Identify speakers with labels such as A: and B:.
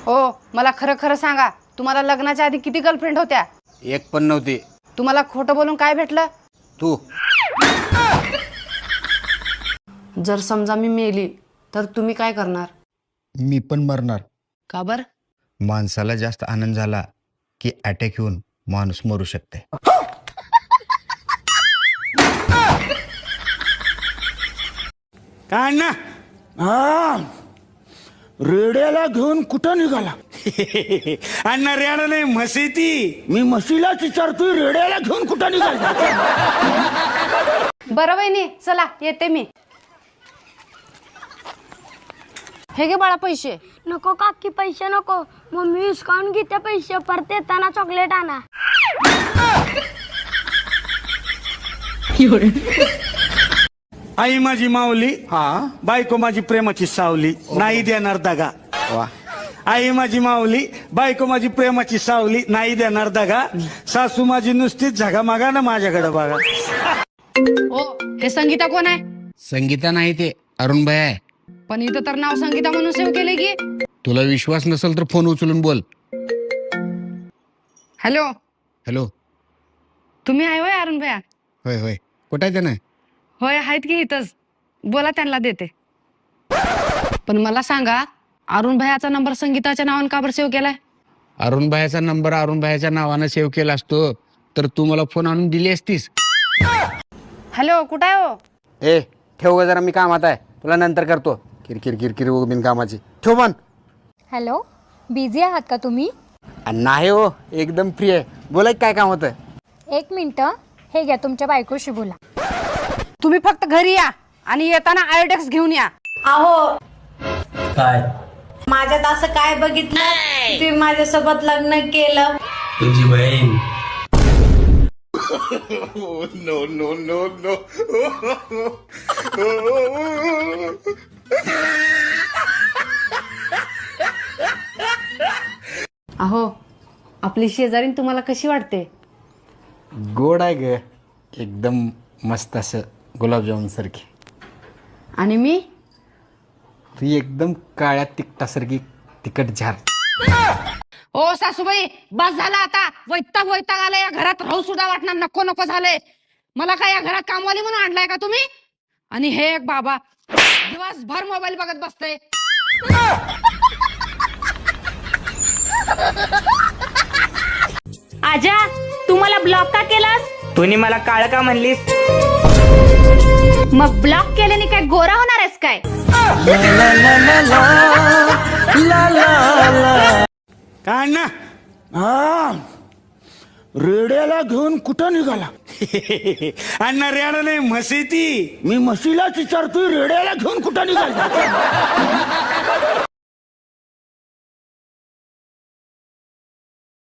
A: हो, मला खरं खरं सांगा, तुम्हाला लग्नाच्या आधी किती गर्लफ्रेंड होत्या?
B: एक पण नव्हती.
A: तुम्हाला खोटं बोलून काय भेटलं?
B: तू
A: जर समजा मी मेली तर तुम्ही काय करणार?
B: मी पण मरणार.
A: का बर?
B: माणसाला जास्त आनंद झाला की अटॅक येऊन माणूस मरू शकते.
C: काय ना रेड्याला घेऊन कुठं निघाला? अण्णा रेडा नाही म्हशी ती. मी म्हशीलाच विचारतोय रेड्याला घेऊन कुठं निघाला?
A: बरं वहिनी, चला येते मी. हे घे बाळा पैसे.
D: नको काकी, पैसे नको. मम्मी विस्कावून घेते पैसे. परत येताना चॉकलेट आणा.
C: आई माझी माऊली, बायको माझी प्रेमाची सावली, नाही देणार दगा. आई माझी माऊली, बायको माझी प्रेमाची सावली, नाही देणार दगा. सासू माझी नुसतीच झगामागा ना माझ्याकडे बघा.
A: ओ, हे संगीता कोण आहे?
B: संगीता नाही, ते अरुण भाई आहे.
A: पण इथं तर नाव संगीता म्हणून सेव्ह केले की.
B: तुला विश्वास नसेल तर फोन उचलून बोल.
A: Hello,
B: hello.
A: तुम्ही आहे होय अरुण भैया?
B: होय होय. कुठं आहे त्यानं?
A: होय, आहेत की इथंच. बोला, त्यांना देते. पण मला सांगा, अरुण भैयाचा नंबर संगीताच्या नावानं का बरं सेव्ह केलाय?
B: अरुण भाईचा नंबर अरुण भाईच्या नावानं सेव्ह केला असतो तर तू मला फोन आणून दिली असतीस.
A: हॅलो, कुठं आहे हो?
B: ए ठेव ग जरा, मी कामात आहे, तुला नंतर करतो. किरकिर किरकिर बिन कामाची. ठेव पण.
D: हॅलो, बिझी आहात का तुम्ही?
B: नाही हो, एकदम फ्री आहे. बोला काय काम होतं?
D: 1 मिनिट. हे घ्या, तुमच्या बायकोशी बोला.
A: तुम्ही फक्त घरी या आणि येताना आयोडेक्स घेऊन या.
E: अहो,
F: काय
E: माझ्यात असं काय बघितलं तुम्ही माझ्यासोबत लग्न केलं?
F: तुझी बहीण
A: अहो, आपली शेजारीन तुम्हाला कशी वाटते?
B: गोड आहे ग, एकदम मस्त, असं गुलाबजामुन सारखी.
A: आणि मी?
B: तू एकदम काळ्या तिखटासारखी तिखट झार.
A: ओ सासूबाई, बस झाला आता. वैताग आलाय. या घरात राहू सुद्धा वाटणार, नको नको झालंय मला. काय या घरात कामवाली म्हणून आणलाय का तुम्ही? आणि हे एक बाबा दिवसभर मोबाईल बघत बसतय.
E: आजा, तू मला ब्लॉक का केलास?
G: तुम्ही मला काळ का म्हणलीस?
E: मग ब्लॉक केल्याने काय गोरा होणार आहेस काय?
C: काय ना रेड्याला घेऊन कुठं निघाला? अण्णा रेडा नाही म्हशी ती. मी म्हशीलाच विचारतोय रेड्याला घेऊन कुठं निघाला?